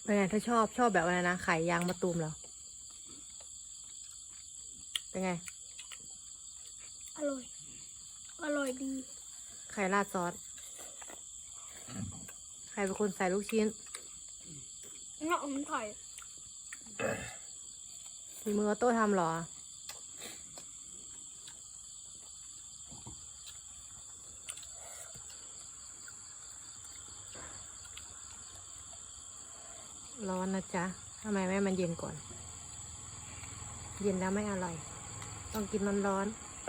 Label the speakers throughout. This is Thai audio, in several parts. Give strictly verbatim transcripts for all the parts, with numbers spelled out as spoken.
Speaker 1: เป็นไงถ้าชอบชอบแบบอะไรนะไข่ยางมะตูมเหรอเป็นไง
Speaker 2: อร่อยอร่อยดี
Speaker 1: ไข่ราดซอสใครเป็นคนใส่ลูกชิ้น
Speaker 2: เนาะมันไข่
Speaker 1: มีมือออโต้ทำเหรอร้อนนะจ๊ะทำไมแม่มันเย็นก่อนเย็นแล้วไม่อร่อยต้องกินมันร้อน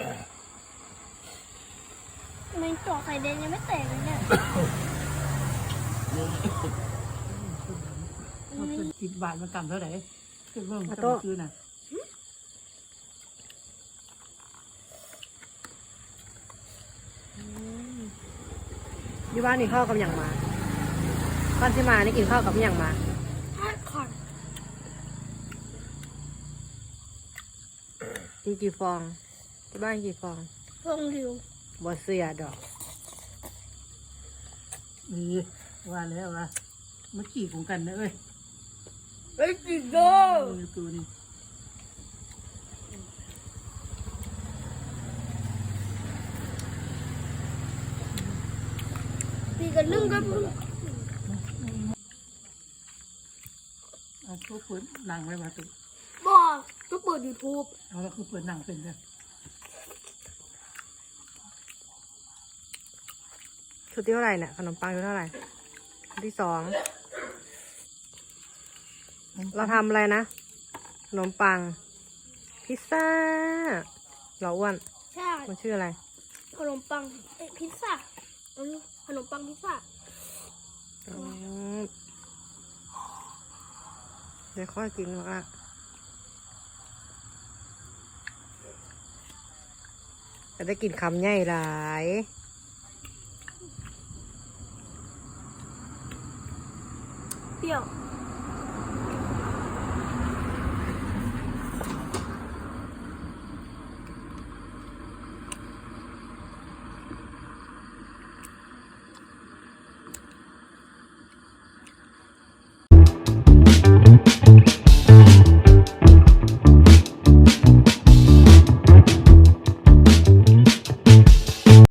Speaker 2: มันเจาะไข่แดงยังไม่แตกเลยเนี่ย
Speaker 3: สิบบาทมากำเท่าไหร่คือเพิ่มจะซื้อน่ะ
Speaker 1: อยู่บ้านนี่ข้าวกับอย่างมาก่อนที่มานี่กินข้าวกับอย่างมา
Speaker 2: ทอดไข่
Speaker 1: กินกี่ฟองที่บ้านกี่ฟอง
Speaker 2: ฟองเดียว
Speaker 1: บ่เสียดอก
Speaker 3: นี่ว่าแล้วว่าเมื่อกี้ของกันนะเอ้ย
Speaker 2: เอ้ยจิโด
Speaker 3: ตัวนี้
Speaker 2: ปีกันนึ่งก็
Speaker 3: เอาเขาเปิดหนังไว้มาตุ๊ก
Speaker 2: บอกก็เปิดยูทูบ
Speaker 3: เอาแล้วคือเปิดหนังเป็นเลย
Speaker 1: ชุดที่เท่าไหร่เนี่ยขนมปังชุดเท่าไหร่ชุดที่สองเราทำอะไรนะขนมปังพิซซ่าเราอ้วน
Speaker 2: ใช่
Speaker 1: มันชื่ออะไร
Speaker 2: ขนมปังเอ้พิซซ่าอันนี้ขนมปังพิซซ่า
Speaker 1: เดี๋ยวค่อยกินว่าจะได้กินคำใหญ่หลาย
Speaker 2: เปรี้ยว